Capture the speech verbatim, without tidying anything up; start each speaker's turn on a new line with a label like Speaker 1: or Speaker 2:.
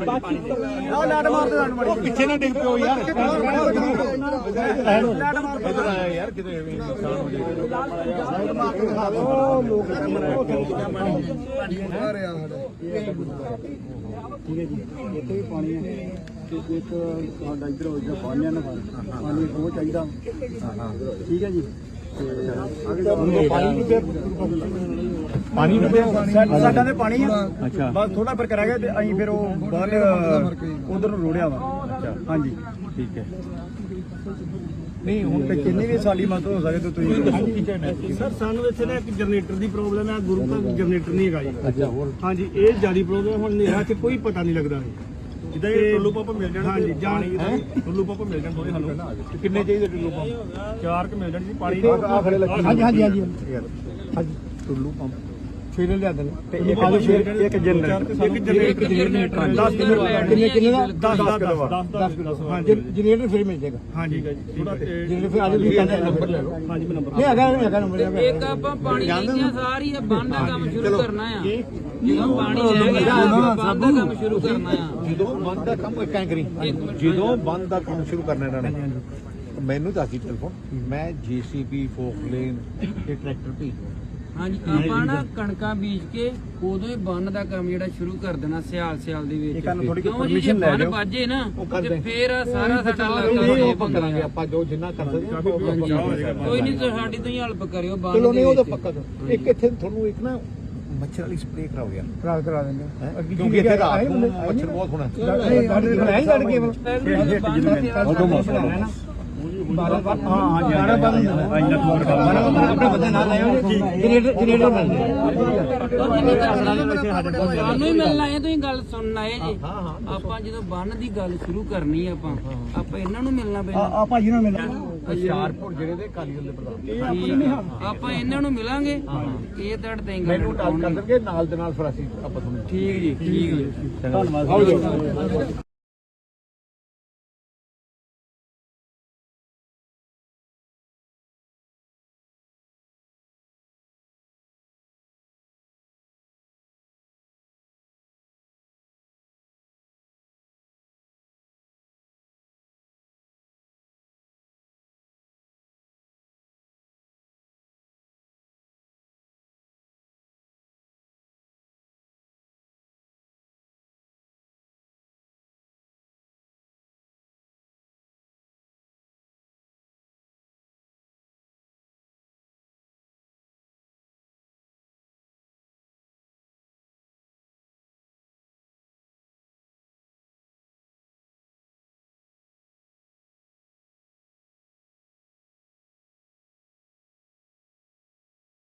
Speaker 1: ਲਾਟ ਮਾਰਦੇ ਸਾਨੂੰ ਮੜੀ ਪਿੱਛੇ ਨਾ ਡਿੱਗ ਪਿਓ ਯਾਰ ਇਧਰ ਆਇਆ ਯਾਰ ਕਿਤੇ ਨੁਕਸਾਨ ਹੋ ਜਾਏ ਉਹ ਲੋਕ ਆ ਰਿਹਾ ਠੀਕ ਹੈ ਜੀ ਇੱਥੇ ਵੀ ਪਾਣੀ ਹੈ ਤੇ ਇੱਕ ਸਾਡਾ ਇੱਧਰ ਹੋ ਜਾ ਪਾਣੀ ਨਾ ਪਾਣੀ ਬਹੁਤ ਚਾਹੀਦਾ ਠੀਕ ਹੈ ਜੀ ਪਾਣੀ ਨੂੰ ਸਾਡਾ ਤੇ ਪਾਣੀ ਆ ਬਸ ਥੋੜਾ ਫਰਕ ਰਹਿ ਗਿਆ ਤੇ ਅਸੀਂ ਫਿਰ ਉਹ ਬਾਹਰ ਉਧਰ ਨੂੰ ਰੋੜਿਆ ਵਾ ਹਾਂਜੀ ਠੀਕ ਹੈ ਨਹੀਂ ਹੁਣ ਤੇ ਕਿੰਨੀ ਵੀ ਸਾਡੀ ਮਦਦ ਹੋ ਸਕੇ ਤੇ ਤੁਸੀਂ ਸਰ ਸਾਨੂੰ ਇੱਥੇ ਨਾ ਇੱਕ ਜਨਰੇਟਰ ਦੀ ਪ੍ਰੋਬਲਮ ਹੈ ਗੁਰੂ ਘਰ ਜਨਰੇਟਰ ਨਹੀਂ ਹੈਗਾ ਜੀ ਅੱਛਾ ਹੋਰ ਹਾਂਜੀ ਇਹ ਜਿਆਦਾ ਪ੍ਰੋਬਲਮ ਹੁਣ ਹਨੇਰਾ ਚ ਕੋਈ ਪਤਾ ਨਹੀਂ ਲੱਗਦਾ ਜਿੱਦਾਂ ਇਹ ਟੁੱਲੂ ਪੰਪ ਮਿਲ ਜਾਣ ਹਾਂਜੀ ਜਾਣੀ ਟੁੱਲੂ ਪੰਪ ਮਿਲ ਜਾਣ ਦੋਵੇਂ ਸਾਨੂੰ ਕਿੰਨੇ ਚਾਹੀਦੇ ਟੁੱਲੂ ਪੰਪ ਚਾਰ ਕ ਮਿਲ ਜਾਣ ਜੀ ਪਾਣੀ ਹਾਂਜੀ ਹਾਂਜੀ ਹਾਂਜੀ ਹਾਂਜੀ ਟੁੱਲੂ ਪੰਪ ਫੇਰ ਲਿਆ ਦੇਣ ਤੇ ਇੱਕ ਇੱਕ ਜਨਰੇਟਰ ਇੱਕ ਜਨਰੇਟਰ ਦਸ ਕਿੰਨੇ ਕਿੰਨੇ ਦਾ ਦਸ ਦਸ ਕਿਲੋ ਹਾਂਜੀ ਜਨਰੇਟਰ ਫਿਰ ਮਿਲ ਜਾਏਗਾ ਹਾਂਜੀ ਜਨਰੇਟਰ ਫਿਰ ਅੱਜ ਵੀ ਕਹਿੰਦੇ ਨੰਬਰ ਲੈ ਲਓ ਹਾਂਜੀ ਮੈਂ ਨੰਬਰ ਨਹੀਂ ਹੈਗਾ ਨਹੀਂ ਹੈਗਾ ਨੰਬਰ
Speaker 2: ਇੱਕ ਆਪਾਂ ਪਾਣੀ ਦੀਆਂ ਸਾਰੀ ਬੰਦ ਦਾ ਕੰਮ ਸ਼ੁਰੂ ਕਰਨਾ ਆ ਜਦੋਂ ਪਾਣੀ ਰਹਿ ਗਿਆ ਬੰਦ ਦਾ ਕੰਮ ਸ਼ੁਰੂ ਕਰਨਾ ਆ
Speaker 1: ਜਦੋਂ ਬੰਦ ਦਾ ਕੰਮ ਕਿਵੇਂ ਕਰੀ ਜਦੋਂ ਬੰਦ ਦਾ ਕੰਮ ਸ਼ੁਰੂ ਕਰਨਾ ਇਹਨਾਂ ਨੇ ਮੈਨੂੰ ਦੱਸ ਦੀ ਟੈਲੀਫੋਨ ਮੈਂ ਜੀਸੀਬੀ ਫੋਕਲੇਨ ਤੇ ਟਰੈਕਟਰ ਭੇਜ
Speaker 2: ਹਾਂਜੀ ਆਪਾਂ ਨਾ ਕਣਕਾਂ ਬੀਜ ਕੇ ਉਦੋਂ ਹੀ ਬੰਨ ਦਾ ਕੰਮ ਜਿਹੜਾ ਸ਼ੁਰੂ ਕਰ ਦੇਣਾ ਸਿਆਲ ਸਿਆਲ ਦੇ ਵਿੱਚ ਕਿਉਂ ਜੀ ਜੇ ਬੰਨ ਵੱਜੇ ਨਾ ਤੇ ਫੇਰ ਸਾਰਾ ਸਾਡਾ ਇਲਾਕਾ
Speaker 1: ਕਰਾਂਗੇ ਆਪਾਂ ਜੋ ਜਿੰਨਾ ਕਰ ਸਕਦੇ
Speaker 2: ਕੋਈ ਨਹੀਂ ਸਾਡੀ ਤੋਂ ਹੀ ਹੈਲਪ ਕਰਿਓ ਬੰਨ
Speaker 1: ਚਲੋ ਨਹੀਂ ਉਹ ਤਾਂ ਪੱਕਾ ਇੱਕ ਇੱਥੇ ਤੁਹਾਨੂੰ ਇੱਕ ਨਾ ਮੱਛਰ ਵਾਲੀ ਸਪਰੇਅ ਕਰਾਓ ਯਾਰ ਕਰਾ ਕਰਾ ਦਿੰਦੇ ਕਿਉਂਕਿ ਇੱਥੇ ਰਾਤ ਨੂੰ ਮੱਛਰ ਬਹੁਤ ਹੋਣਾ ਨਹੀਂ ਲੜ ਕੇ ਉਦੋਂ ਮੌਸਮ ਹੈ ਨਾ ਬਾਰਾਂ ਹਾਂ ਹਾਂ ਬਾਰਾਂ ਬਾਰਾਂ ਇੰਨਾ ਫੋਨ ਕਰ ਆਪਣੇ ਬੰਦੇ ਨਾਲ ਆਏ ਹੋ ਜਨਰੇਟਰ ਜਨਰੇਟਰ ਮਿਲਦੇ
Speaker 2: ਸਾਨੂੰ ਹੀ ਮਿਲਣਾ ਹੈ ਤੁਸੀਂ ਗੱਲ ਸੁਣਨ ਆਏ ਜੀ ਆਪਾਂ ਜਦੋਂ ਬੰਨ ਦੀ ਗੱਲ ਸ਼ੁਰੂ ਕਰਨੀ ਆਪਾਂ ਆਪਾਂ ਇਹਨਾਂ ਨੂੰ ਮਿਲਣਾ ਪੈਣਾ
Speaker 1: ਆ ਭਾਜੀ ਨੂੰ ਮਿਲਣਾ ਹੁਸ਼ਿਆਰਪੁਰ ਜਿਹੜੇ ਦੇ ਕਾਲੀ ਦੇ ਪ੍ਰਧਾਨ
Speaker 2: ਆਪਾਂ ਇਹਨਾਂ ਨੂੰ ਮਿਲਾਂਗੇ ਇਹ ਤੁਹਾਡੇ ਤੇ ਗੱਲ
Speaker 1: ਮੈਨੂੰ ਟਾਲ ਕਰ ਦੇਣਗੇ ਨਾਲ ਦੇ ਨਾਲ ਫਿਰ ਅਸੀਂ ਆਪਾਂ ਤੁਹਾਨੂੰ
Speaker 2: ਠੀਕ ਜੀ ਠੀਕ ਜੀ
Speaker 1: ਧੰਨਵਾਦ